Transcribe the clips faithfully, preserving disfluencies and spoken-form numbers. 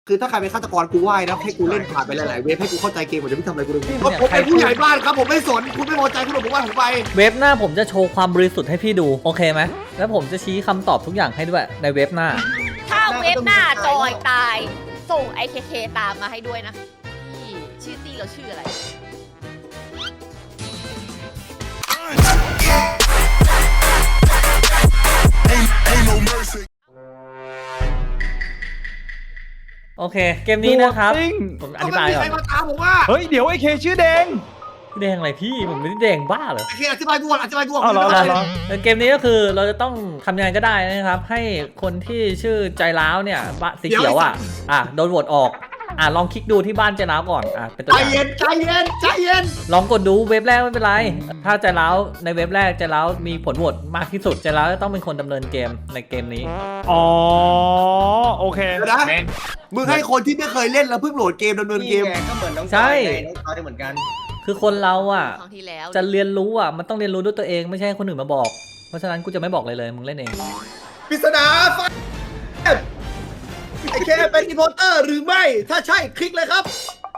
คือถ้าใครเป็นฆาตกรกูไหว้นะให้กูเล่นผ่านไปหลายๆเวฟให้กูเข้าใจเกมผมจะไม่ทำอะไรกูเลยผมเป็นผู้ใหญ่บ้านครับผมไม่สนคุณไม่พอใจคุณบอกผมว่าผมไปเว็บหน้าผมจะโชว์ความบริสุทธิ์ให้พี่ดูโอเคไหมแล้วผมจะชี้คำตอบทุกอย่างให้ด้วยในเว็บหน้าถ้าเว็บหน้าจอยตายส่ง ไอ เค เค ตามมาให้ด้วยนะพี่ชื่อตี้เราชื่ออะไรโอเคเกมนี้นะครับผมอธิบายก่อนใครมาตามผมว่าเฮ้ยเดี๋ยวไอ้เคชื่อแดงแดงอะไรพี่ผมไม่ได้แดงบ้าเหรอโอเคอธิบายด่วนอธิบายด่วนเอาเหรอเหรอเกมนี้ก็คือเราจะต้องทำยังไงก็ได้นะครับให้คนที่ชื่อใจร้าวเนี่ยสีเขียวอ่ะอ่ะโดนโหวตออกอ่ะลองคลิกดูที่บ้านใจร้าวก่อนอ่ะเป็นตัวอใจย่างเย็นใจเย็นใจเย็นลองกดดูเว็บแรกไม่เป็นไรถ้าใจร้าวในเว็บแรกใจร้าวมีผลโหวตมากที่สุดใจร้าวจะต้องเป็นคนดำเนินเกมในเกมนี้อ๋อโอเคนะมึงให้คนที่ไม่เคยเล่นแล้วเพิ่งโหลดเกมดำเนินเกมก็เหมือนน้องจอยน้องจอยเหมือนกันคือคนเราอ่ะจะเรียนรู้อ่ะมันต้องเรียนรู้ด้วยตัวเองไม่ใช่คนอื่นมาบอกเพราะฉะนั้นกูจะไม่บอกเลยเลยมึงเล่นเองปริศนาไฟไอแค่เป็นอีโพเตอร์หรือไม่ถ้าใช่คลิกเลยครับ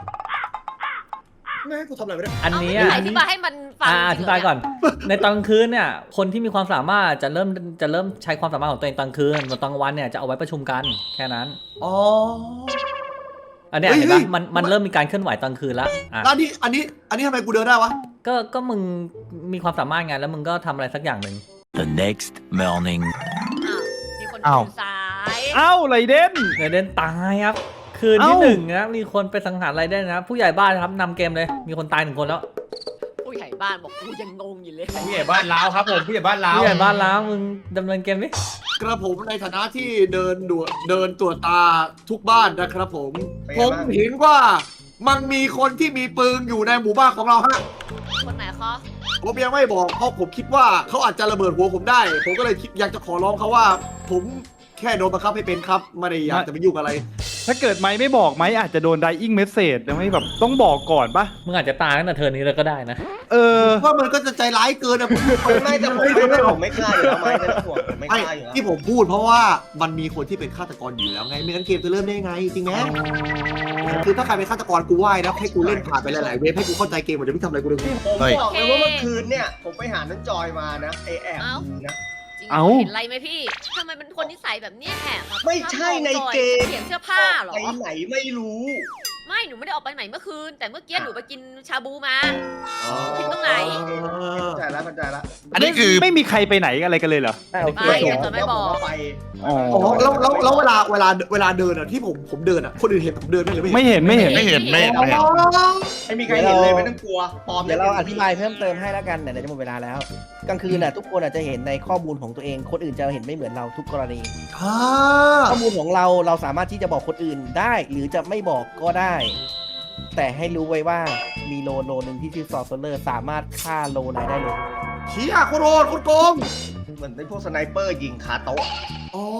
แม่กูทำอะไรไม่ได้อันนี้อธิบายให้มันฟังอธิบายก่อนในตอนกลางคืนเนี่ยคนที่มีความสามารถจะเริ่มจะเริ่มใช้ความสามารถของตัวเองตอนกลางคืนตอนกลางวันเนี่ยจะเอาไว้ประชุมกันแค่นั้นอ๋ออันนี้เห็นปะมันมันเริ่มมีการเคลื่อนไหวตอนคืนแล้วอ่ะแล้วนี่อันนี้อันนี้ทำไมกูเดินได้วะก็ก็มึงมีความสามารถไงแล้วมึงก็ทำอะไรสักอย่างหนึ่ง The next morning มีคนอยู่ซ้ายเอ้าไรเด่นไรเด่นตายครับคืนที่หนึ่งนะมีคนไปสังหารไรเด่นนะผู้ใหญ่บ้านครับนำเกมเลยมีคนตายหนึ่งคนแล้วผู้ใหญ่บ้านบอกกูยังงงอยู่เลยผู้ใหญ่บ้านล้าวครับผมผู้ใหญ่บ้านล้าวผู้ใหญ่บ้านล้าวมึงดำเนินเกมดิกระผมในฐานะที่เดินดูเดินตรวจตาทุกบ้านนะครับผมผมเห็นว่ามันมีคนที่มีปืนอยู่ในหมู่บ้านของเราฮะคนไหนคะผมยังไม่บอกเพราะผมคิดว่าเขาอาจจะระเบิดหัวผมได้ผมก็เลยอยากจะขอร้องเขาว่าผมแค่โดนบังคับให้เป็นครับไม่ได้อยากจะไปยุ่งอะไรถ้าเกิดไม้ไม่บอกไม้อาจจะโดนไดอิงเมสเซจไม่แบบต้องบอกก่อนปะมึงอาจจะตายตั้งแต่เธอนี้เลยก็ได้นะเออว่ามันก็จะใจร้ายเกินนะผมไม่แต่ผมไม่ผมไม่กล้าอยู่แล้วไม่ไม่ห่วงผมไม่กล้าอยู่แล้วที่ผมพูดเพราะว่ามันมีคนที่เป็นฆาตกรอยู่แล้วไงไม่งั้นเกมจะเริ่มได้ไงจริงไหมคือถ้าใครเป็นฆาตกรกูไหว้นะให้กูเล่นผ่านไปหลายๆเวฟให้กูเข้าใจเกมผมจะไม่ทำอะไรกูเลยผมบอกเลยว่าเมื่อคืนเนี่ยผมไปหาน้องจอยมานะไอแอบนะเอาเห็นอะไรไหมพี่ทำไมเป็นคนนิสัยแบบนี้แหบไม่ใช่ในเกมเปลี่ยนเสื้อผ้าหรอไปไหนไม่รู้ไม่หนูไม่ได้ออกไปไหนเมื่อคืนแต่เมื่อกี้หนูไปกินชาบูมาผิดตรงไหนใจแล้วเข้าใจแล้วอันนี้คือไม่มีใครไปไหนอะไรกันเลยเหรอไม่เดี๋ยวจะไม่บอกไปอ๋อแล้วแล้วแล้วเวลาเวลาเวลาเดินอ่ะที่ผมผมเดินอ่ะคนอื่นเห็นผมเดินไหมหรือไม่ไม่เห็นไม่เห็นไม่เห็นไม่เห็นไม่เห็นไม่มีใครเห็นเลยไม่ต้องกลัวปลอมเดี๋ยวเราอธิบายเพิ่มเติมให้แล้วกันเดี๋ยวจะหมดเวลาแล้วกลางคืนน่ะทุกคนอาจจะเห็นในข้อมูลของตัวเองคนอื่นจะเห็นไม่เหมือนเราทุกกรณีข้อมูลของเราเราสามารถที่จะบอกคนอื่นได้หรือจะไม่บอกก็ได้แต่ให้รู้ไว้ว่ามีโลโลหนึ่งที่ชื่อซอร์เซอร์สามารถฆ่าโลไหนได้เลยเชี่ยโคตรโหดโคตรโกงเหมือนเป็นพวกสไนเปอร์ยิงคาโต๊ะอ๋อ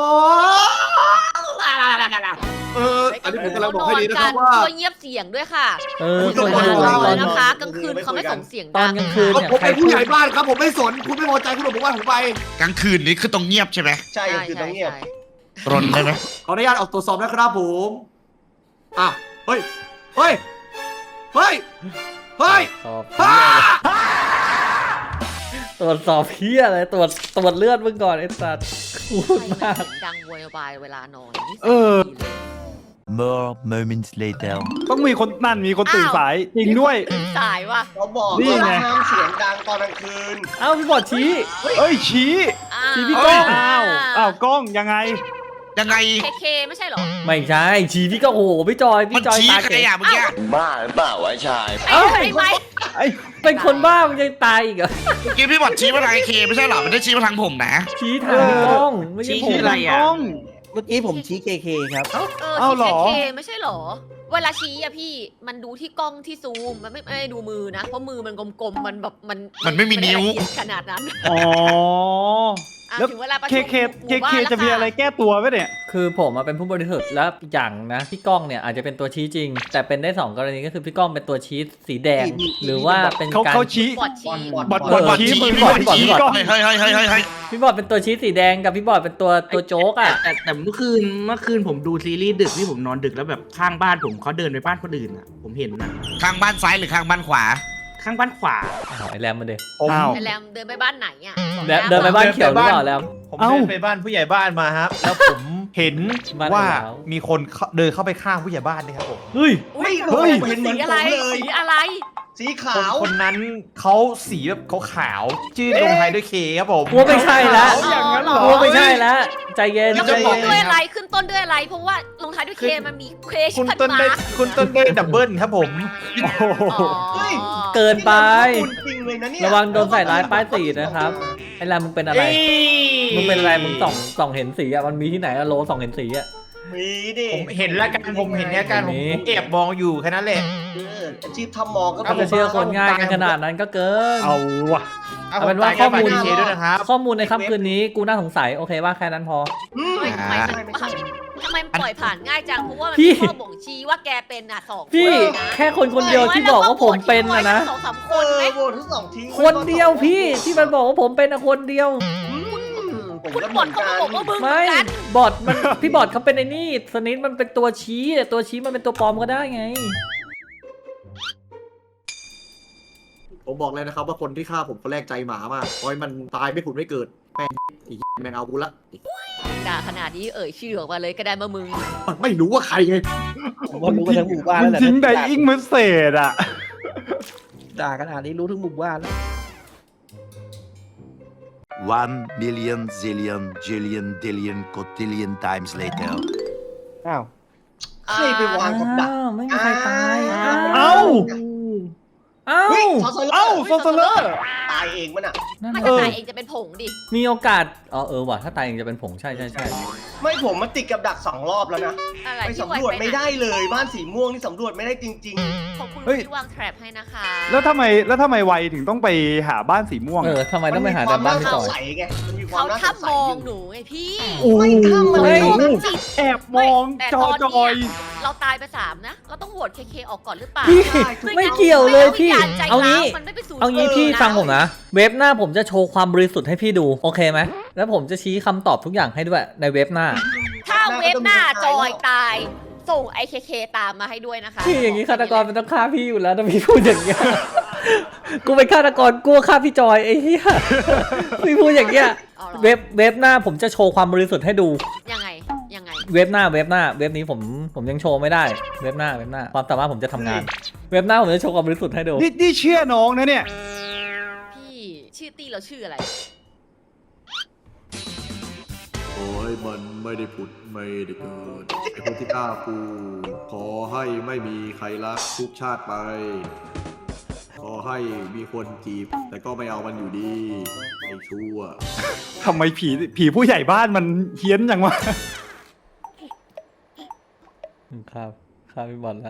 เอออันนี้ผมกำลังบอกให้ดีนะครับว่าช่วยเงียบเสียงด้วยค่ะเออคนอื่นนะคะกลางคืนเขาไม่ส่งเสียงตอนกลางคืนเนี่ยผมเป็นผู้ใหญ่บ้านครับผมไม่สนคุณไม่พอใจคุณบอกผมว่าผมไปกลางคืนนี้คือต้องเงียบใช่ไหมใช่คือต้องเงียบรนได้ไหมขออนุญาตออกตรวจสอบนะครับผมอ่ะเฮ้ยเฮ้ยเฮ้ยเฮ้ยตรวจสอบเพี้ยอะไรตรวจตรวจเลือดมึงก่อนไอ้สัตว์พูดมากดังโวยวายเวลานอนเออ More moments later ต้องมีคนนั่นมีคนตื่นสายจริงด้วยสายว่ะเขาบอกว่าห้ามเสียงดังตอนกลางคืนเอ้าพี่บอดชี้เอ้ยชี้ชี้พี่ก้องอ้าวอ้าวก้องยังไงยังไงเคเคไม่ใช่หรอไม่ใช่ชี้พี่ก็โอ้โหพี่จอยพี่จอยตายเก๋เมื่อกี้บ้าหรือเปล่าวะชายเอ้าไอ้ไม่ไอ้เป็นคนบ้ามันยังตายอีกเหรอเมื่อกี้พี่บอดชี้มาทางเคไม่ใช่หรอมันได้ชี้มาทางผมนะชี้ทางพี่ก้องไม่ใช่ผมอะไรอ่ะเมื่อกี้ผมชี้เคเคครับเอ้าเหรอเคไม่ใช่หรอเวลาชี้อะพี่มันดูที่กล้องที่ซูมมันไม่ไม่ดูมือนะเพราะมือมันกลมๆมันแบบมันมันไม่มีนิ้วขนาดนั้นอ๋ออ่ะแล้วถึงเวลาประเคชุมเคหเคมู่เคบ้านแล้วจะมีค่อะไรแก้ตัวไหมเนี่ยคือผมมาเป็นผู้บริสุทธิ์แล้วอีกอย่างนะพี่ก้องเนี่ยอาจจะเป็นตัวชี้จริง แต่เป็นได้สองกรณีก็คือพี่ก้องเป็นตัวชี้สีแดง หรือว่าเป็นเขาการเขาชี้บอดชีบอดบอดบบ ออดดบบ ออดดชี้ชี้มือพี่บบ ออดดพี่บอดชี้พี่บอดกล้องเฮ้ยเฮ้ยเฮ้ยเฮ้ยเฮ้ยพี่บอดเป็นตัวชี้สีแดงกับพี่บอดเป็นตัวตัวโจ๊กอ่ะแต่แต่เมื่อคืนเมื่อคืนผมดูซีรีส์ดึกที่ผมนอนดึกแล้วแบบข้างบ้านผมเขาเดินไปบ้านคนอื่นอ่ะ ผมเห็นนะข้างบ้านซ้ายหรือข้างบ้านขวาข้างบ้านขวาอ้าวไอแรมมาเดอ้าวไอแรมเดินไปบ้านไหนอ่ะเดินเดินไปบ้านเขียวหรือเปล่าแรมผมเอ้าเดินไปบ้านผู้ใหญ่บ้านมาครับ แล้วผมเห็นบ้านว่าแล้วมีคนเข้าเดินเข้าไปข้างผู้ใหญ่บ้านนี่ครับผมเฮ้ยอุ้ยเฮ้ยเห็นเหมือนอะไรผมเลยสีอะไรสีคขาน วคนนั้นเขาสีแบบเขาขาวๆชื่อลงท้ายด้วยเคครับผมกลัวไม่ใช่แล้วอ๋ออย่างนั้นเหรอกลัวไม่ใช่แล้วใจเย็นแล้วใจขึ้นเย็ต้นนด้วยอะไรขึ้นต้นด้วยอะไร เพราะว่าลงท้ายด้วยเคมันมีเคชคุณพันต้นมาได้คุณต้นได้ดับเบิลครับผมโอ้โหเฮ้ยเกินไปคุณจริงเลยนะเนี่ยระวังโดนใส่ร้ายป้ายสีนะครับไอแรมมึงเป็นอะไร มึงเป็นอะไรมึงส่องส่องเห็นสีอ่ะมันมีที่ไหนอะโลส่องเห็นสีอ่ะมีดิผมเห็นแล้วกันผมเห็นเนี่ยกันผมมีผมแอบมองอยู่แค่นั้นแหละเอออาชีพทำหมอก็ถ้าจะเชื่อคนง่ายกันขนาดนั้นก็เกินเอาว่ะเอาเอาเป็นว่าผมตยข้อมูลกับเคด้วยนะครับข้อมูลในค่ำคืนนี้กูน่าสงสัยโอเคว่าแค่นั้นพออืมเฮ้ยทำไมไม่ใช่ไม่ใช่ทำไมปล่อยผ่านง่ายจัง เพราะว่ามันพี่มีข้อบ่งชี้ว่าแกเป็นอ่ะสองพี่คนนะแค่คนคนเดียวที่บอกว่าผมเป็นนะนะสองสามคเอน อไหมโหวตทั้งสองทิ้งคนเดียวพี่ที่มันบอกว่าผมเป็นอะคนเดียวอืมผมคุณก็บเหมืออดนเขากัก็นบอกว่ามึงเหมืไม่อนกันบอดมันพี่บอดเขาเป็นไอ้นี่สนิทมันเป็นตัวชี้แต่ตัวชี้มันเป็นตัวปลอมก็ได้ไงผมบอกเลยนะครับว่าคนที่ฆ่าผมคนแรกใจหมามากปล่อยมันตายไม่ผุดไม่เกิดแม่งไอ้แมงเอากูละด่าขนาดนี้เอ่ยชื่อออกมาเลยก็ได้มามึงมันไม่รู้ว่าใครไงผมว่ารู้กันทั้งหมู่บ้านมัแล้วนแหละทิ้งไดอิงเมสเซจอ่ะด่าขนาดนี้รู้ทั้งหมู่บ้านแล้ว one million zillion jillion dillion cotillion times later อ้าวใครไปวางกับดักอ้าวไม่มีใครตายเอ้าเอ้าเฮ้ยซอสเลอเอ้าร์โซเซเลอร์ตายเองมันอ่ะนั่นไม่น่ะจะเออตายเองจะเป็นผงดิมีโอกาสอ๋อเออว่ะถ้าตายเองจะเป็นผงใช่ใช่ใช่ไม่ผมมันติดกับดักสองรอบแล้วนะอะไรไปที่สำรวจปไม่ได้เลยบ้านสีม่วงนี่สำรวจไม่ได้จริงขอบคุณเฮ้ยที่วางแทรปให้นะคะแล้วทำไมแล้วทำไมไวถึงต้องไปหาบ้านสีม่วงเอออะทำไมๆต้องไปหาคแต่วามบ้านน่าพี่สจอง ยสัยไงมันมีควาเขามน่าสทับงสัมยองอยู่หนูไงพี่โอ้ไม่ทำอะไรไม่หรอกจิตแอบมองแต่จตออนจอยเนี้ยเราตายไปสามนะ เราต้องโหวตเคเคออกก่อนหรือเปล่าพี่ไม่ไม่งั้นเกี่ยวเลยพี่ไม่งั้นวิญญณใจเอาร้าวงี้มันไม่ไปสู่เอางี้พี่เออฟังผมนะ เว็บหน้าผมจะโชว์ความบริสุทธิ์ให้พี่ดูโอเคไหมแล้วผมจะชี้คำตอบทุกอย่างให้ด้วยในเว็บหน้าถ้าเว็บหน้าจอยตาย ส่งไอเคเคตามมาให้ด้วยนะคะพี่อย่างนี้ฆาตกรมันต้องฆ่าพี่อยู่แล้วถ้าพี่พูดอย่างเงี้ย กูเป็นฆาตกรกลัวฆ่าพี่จอยไอ้เหี้ย พี่พูดอย่างเงี้ยเอาเหรอเว็บเว็บหน้าผมจะโชว์ความบริสุทธิ์ให้ดูยังไงยังไงเว็บหน้าเว็บหน้าเว็บนี้ผมผมยังโชว์ไม่ได้เว็บหน้าเว็บหน้าความสามารถผมจะทำงาน เว็บหน้าผมจะโชว์ความบริสุทธิ์ให้ดูนี่นี่เชื่อน้องนะเนี่ยพี่ชื่อตี้เราชื่ออะไรโอ้ยมันไม่ได้ผุดไม่ได้เกิดไอ้คนที่ฆ่ากูขอให้ไม่มีใครรักทุกชาติไป ขอให้มีคนจีบ แต่ก็ไม่เอามันอยู่ดีไอ้ชั่วทำไมผีผีผู้ใหญ่บ้านมันเฮี้ยนจังวะครับครับพี่บอลละ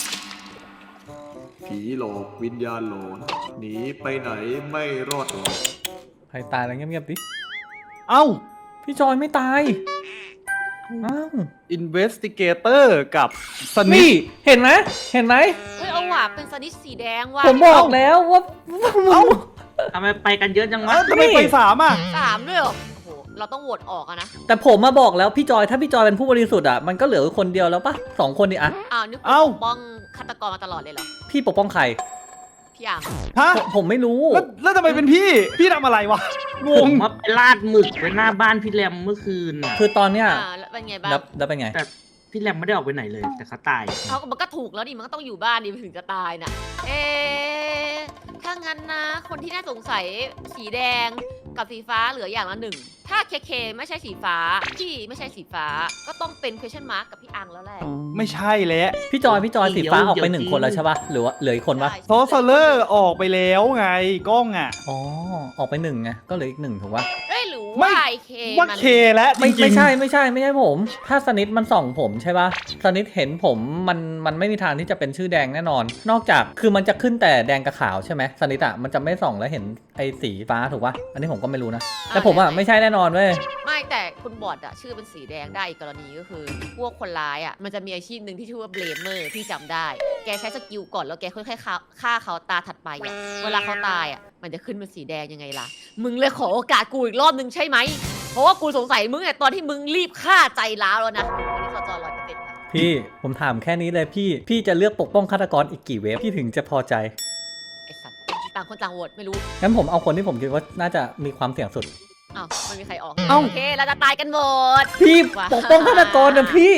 ผีหลอกวิญญาณหลอนหนีไปไหนไม่รอดหรอกใครตายแล้วเงียบๆดิเอ้าพี่จอยไม่ตายอ้าว investigator กับสนินี่ทเห็นไหมเห็นไหมเฮ้ยเอาว่ะเป็นสนิทสีแดงว่ะผมบอกแล้วว่าเอ้าทำไมไปกันเยอะจังวะเอ้าทำไมไปสามอ่ะสามด้วยเหรอโอ้โหเราต้องโหวตออกอะนะแต่ผมมาบอกแล้วพี่จอยถ้าพี่จอยเป็นผู้บริสุทธิ์อ่ะมันก็เหลือคนเดียวแล้วปะสองคนดิอะอ้าวนึกเอ้าปกป้องฆาตกรมาตลอดเลยเหรอพี่ปกป้องใครพี่อ่างฮะผมผมไม่รู้แล้วแล้วทำไมเป็นพี่ พี่ทำอะไรวะ งผงมมาไปลาดหมึกไว้หน้าบ้านพี่แรมเมื่อคืนน่ะคือตอนเนี้ยอ่าแล้วเป็นไงบ้างแล้วแล้วเป็นไงแต่พี่แรมไม่ได้ออกไปไหนเลย แต่เขาตายเขาก็มันก็ถูกแล้วดิมันก็ต้องอยู่บ้านดิมันถึงจะตายน่ะ เอ๊ะถ้างั้นนะ คนที่น่าสงสัยสีแดงกับสีฟ้าเหลืออย่างละหนึ่ง ถ้าเคเคไม่ใช่สีฟ้าพี่ไม่ใช่สีฟ้า ก็ต้องเป็น question mark กับพี่อังแล้วแหละไม่ใช่แล้วพี่จอยพี่จอยสีฟ้าเดี๋ยวออกไปเดี๋ยวหนึ่งคนแล้วใช่ปะหรือว่าเหลืออีกคนปะใช่โซเซเลอร์ออกไปแล้วไงกล้องอ่ะอ๋อออกไปหนึ่งไงก็เหลืออีกหนึ่งถูกปะเอ้ยหรือว่าไอเคว่ามันเคและจไม่ริงๆไม่ใช่ไม่ใช่ไม่ใช่ผม ถ้าสนิทมันส่องผมใช่ปะสนิทเห็นผมมันมันไม่มีทางที่จะเป็นชื่อแดงแน่นอน นอกจากคือมันจะขึ้นแต่แดงกับขาวใช่ไหมสนิทอ่ะมันจะไม่ส่องแล้วเห็นไอ้สีฟ้าถูกปะอันนี้ผมก็ไม่รู้นะแต่ผมอ่ะไม่ใช่แน่นอนเว้ยไม่แต่คุณบอดอะชื่อเป็นสีแดงได้อีกกรณีก็คือ พวกคนร้ายอะมันจะมีอาชีพหนึ่งที่ชื่อว่าเบลเมอร์ที่จำได้ แกใช้สกิลก่อนแล้วแกค่อยๆฆ่าฆ่าเขาตาถัดไปอะเวลาเขาตายอะมันจะขึ้นเป็นสีแดงยังไงล่ะ มึงเลยขอโอกาสกูอีกรอบนึงใช่ไหม เพราะว่ากูสงสัยมึงไงตอนที่มึงรีบฆ่าใจร้าวแล้วนะอันนี้เขาจอร้อยเปอร์เซ็นต์ค่ะพี่ผมถามแค่นี้เลยพี่พี่จะเลือกปกป้องฆาตกรอีกกี่เวฟพี่ถึงจะพอใจไอสัตว์ต่างคนต่างโหวตไม่รู้งั้นผมเอาคนที่ผมคิดว่าน่าจะมีความเสี่ยงสุดอ้าวไม่มีใครออกเอ้าโอเคเราจะตายกันหมดพี่ปกป้องฆาตกรนะพี่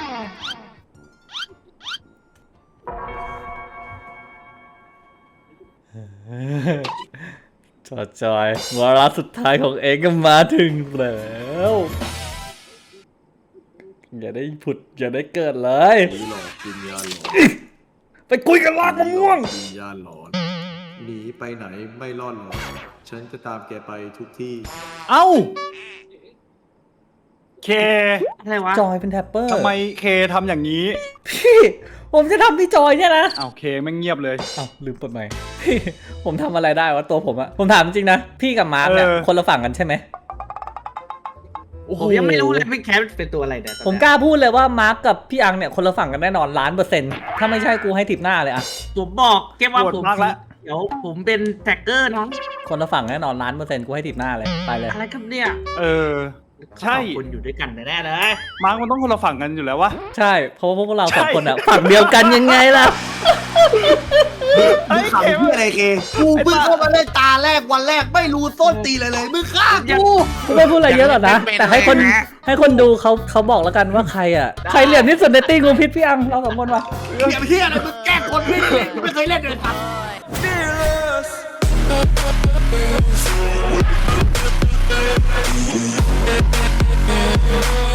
จอจอยวาระสุดท้ายของเองก็มาถึงแล้วอย่าได้ผุดอย่าได้เกิดเลยหนีหลอกวิญญาณหลอนไปคุยกันลากมะม่วงวิญญาณหลอนหนีไปไหนไม่รอดหรอกฉันจะตามแกไปทุกที่เอ้า เคอะไรวะจอยเป็นแท็ปเปอร์ทำไมเคทำอย่างนี้พี่ ผมจะทำพี่จอยเนี่ยนะเอ้าเคไม่งเงียบเลยเอ้าลืมเปิดไมค์พี่ผมทำอะไรได้วะตัวผมอะผมถามจริงๆนะ พี่กับมาร์คเนี่ยเออคนละฝั่งกันใช่ไหมผมยังไม่รู้เลยพี่แคทเป็นตัวอะไรเนี่ยผมกล้าพูดเลยว่ามาร์คกับพี่อังเนี่ยคนละฝั่งกันแน่นอนล้านเปอร์เซ็นต์ถ้าไม่ใช่กูให้ทิปหน้าเลยอะผมบอกแค่ว่าโหดผมมากละเดี๋ยวผมเป็นแท็กเกอร์น้องคนละฝั่งแน่นอนล้านเปอร์เซ็นต์กูให้ทิปหน้าเลยไปเลยอะไรครับเนี่ยเออ ใช่คนอยู่ด้วยกันแน่ๆเลยมาร์กมันต้องคนละฝั่งกันอยู่แล้ววะใช่เพราะว่าพวกเราสองใช่คนอะฝั่งเดียวกันยังไงล่ะมึงขำที่อะไรเคกูเพิ่งเข้ามาเล่นตาแรกวันแรกไม่รู้ต้นตีเลยเลยมึงฆ่ากูกูไม่พูดอะไรเยอะหรอกนะ แต่ให้คนให้คนดูเขาเขาบอกแล้วกันว่าใครอะใครเหลี่ยมที่สุดในตีงูพิษพี่อังเราสองคนวะเฮียเฮียอะไรมึงแกล้งคนไม่ได้เล่นไม่เคยเล่นเลยครับโอ้ย